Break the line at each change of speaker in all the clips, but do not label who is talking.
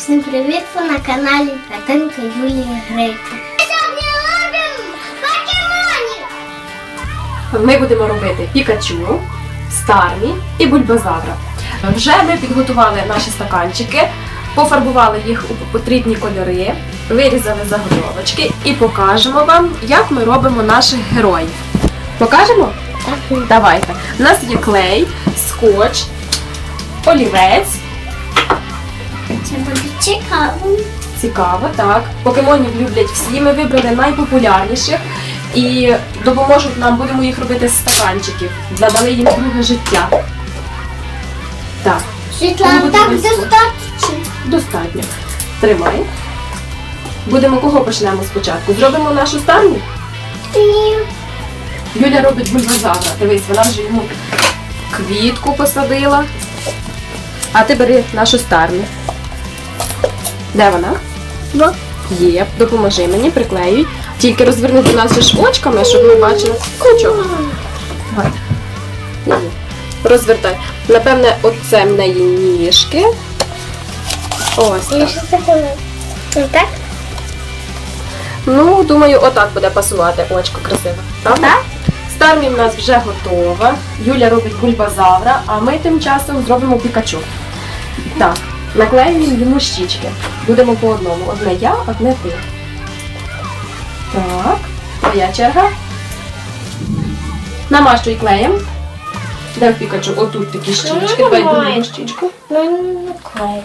Всім привіт! Ви на каналі Катинка Юлії Грейко. Сьогодні робимо покемонів!
Ми будемо робити Пікачу, Стармі і Бульбазавра. Вже ми підготували наші стаканчики, пофарбували їх у потрібні кольори, вирізали заготовочки і покажемо вам, як ми робимо наших героїв. Покажемо?
Так.
Давайте. У нас є клей, скотч, олівець.
Це буде цікаво.
Цікаво, так. Покемонів люблять всі, ми вибрали найпопулярніших і допоможуть нам, будемо їх робити з стаканчиків. Надали їм друге життя. Так.
Світлана,
Тому
так
будемо
достатньо.
Достатньо. Тримай. Будемо кого почнемо спочатку? Зробимо нашу Стармі?
Ні.
Юля робить Бульбазавра. Дивись, вона вже йому квітку посадила. А ти бери нашу Стармі. Де вона?
Вот.
Є, допоможи мені, приклеюй. Тільки розверни до нас же ж очками, щоб ми бачили. Нічого. Давай. Є. Розвертай. Напевне, оце в неї ніжки. Ось
І
так.
що це таке? Так?
Ну, думаю, отак буде пасувати очко красиво. Правда?
Так.
Стармі в нас вже готова. Юля робить Бульбазавра, а ми тим часом зробимо Пікачу. Так, наклеюємо йому щічки. Будемо по одному. Одне я, одне ти. Так, твоя черга. Намащуй клеєм. Де в Пікачу? Отут такі щічки. Давай другу щічку.
Ну, не клею.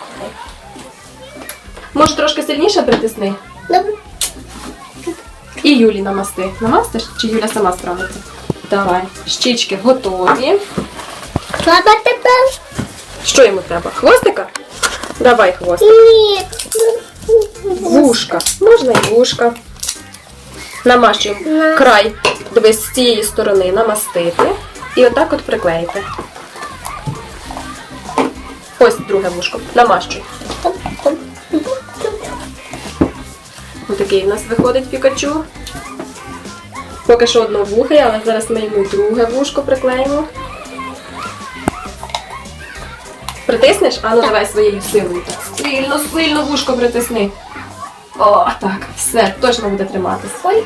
Може трошки сильніше притисни?
Добре.
І Юлі намасти. Намастиш? Чи Юля сама справиться? Давай. Щічки готові.
Треба тепер?
Що йому треба? Хвостика? Давай хвостик.
Ні.
Вушка. Можна і вушка. Намащуємо край. Дивись, з цієї сторони намастити. І отак от приклеїти. Ось друге вушко. Намащуй. Ось такий в нас виходить Пікачу. Поки що одновухий, але зараз ми йому друге вушко приклеїмо. Притиснеш? А ну давай своєю силою. Сильно, сильно вушко притисни. О, так, все, точно буде триматися.
Ой.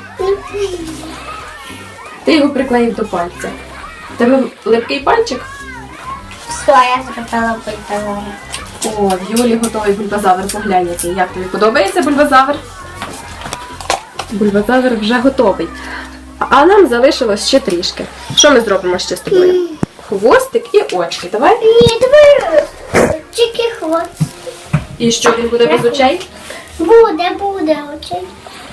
Ти його приклеїв до пальця. У тебе липкий пальчик?
Все, я зробила Бульбазавра.
О, в Юлі готовий Бульбазавр, поглянь який. Як тобі подобається Бульбазавр? Бульбазавр вже готовий. А нам залишилось ще трішки. Що ми зробимо ще з тобою? Хвостик і очки. Давай.
Ні, давай тільки хвост.
І що, він буде без очей?
Буде очей.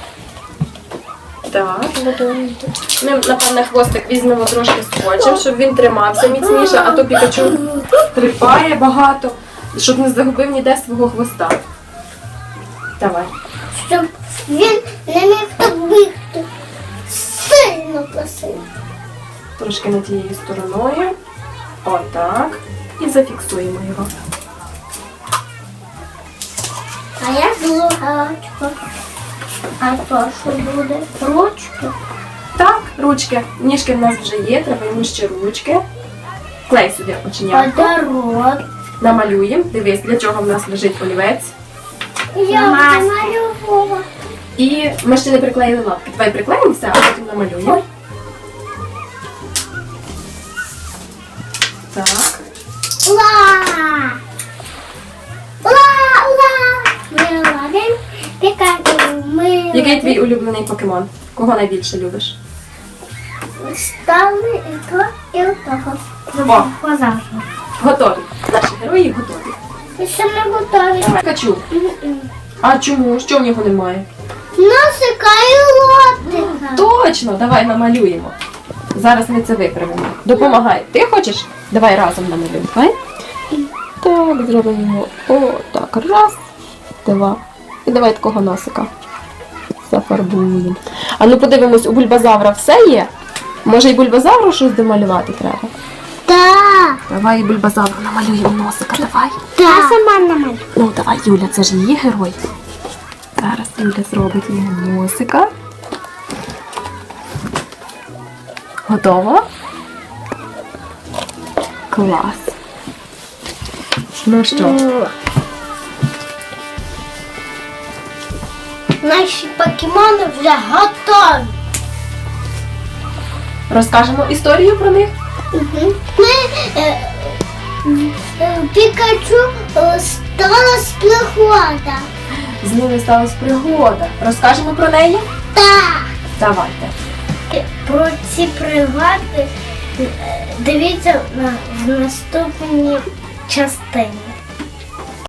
Так. Ми, напевне, хвостик візьмемо трошки скотчем, щоб він тримався міцніше, а то Пікачу стрибає багато, щоб не загубив ніде свого хвоста. Давай.
Щоб він не міг так бігти. Сильно просив.
Трошки не тією стороною. Отак. І зафіксуємо його.
А я злугачка. А то що буде? Ручки.
Так, ручки. Ніжки в нас вже є, треба йому ще ручки. Клей сюди оченятко.
Подарок.
Намалюємо. Дивись, для чого в нас лежить олівець.
Я намалювала.
І ми ще не приклеїли лапки. Давай приклеїмо все, а потім намалюємо. Так.
Ура! Ура! Ура! Ми робимо Пікачу.
Який твій улюблений покемон? Кого найбільше любиш?
Стали і то, і того.
О.
Позавжди.
Готові. Наші герої готові.
І ще не готові.
Пікачу. А чому? Що в нього немає?
Носика і ротика.
Точно, давай намалюємо. Зараз ми це виправимо. Допомагай. Ти хочеш? Давай разом намалюємо. Давай. Так, зробимо. О, так. Раз, два. І давай такого носика зафарбуємо. А ну подивимось, у Бульбазавра все є? Може і Бульбазавру щось домалювати треба?
Так.
Давай і Бульбазавру намалюємо носика, давай.
Я сама намалюю.
Ну давай, Юля, це ж її герой. Зараз Юля зробить йому носика. Готово? Клас. Ну що?
наші покемони вже готові.
Розкажемо історію про них?
Ми Пікачу сталася пригода.
З ними сталася пригода. Розкажемо про неї?
Так.
Давайте.
Про ці пригоди дивіться в наступній частині.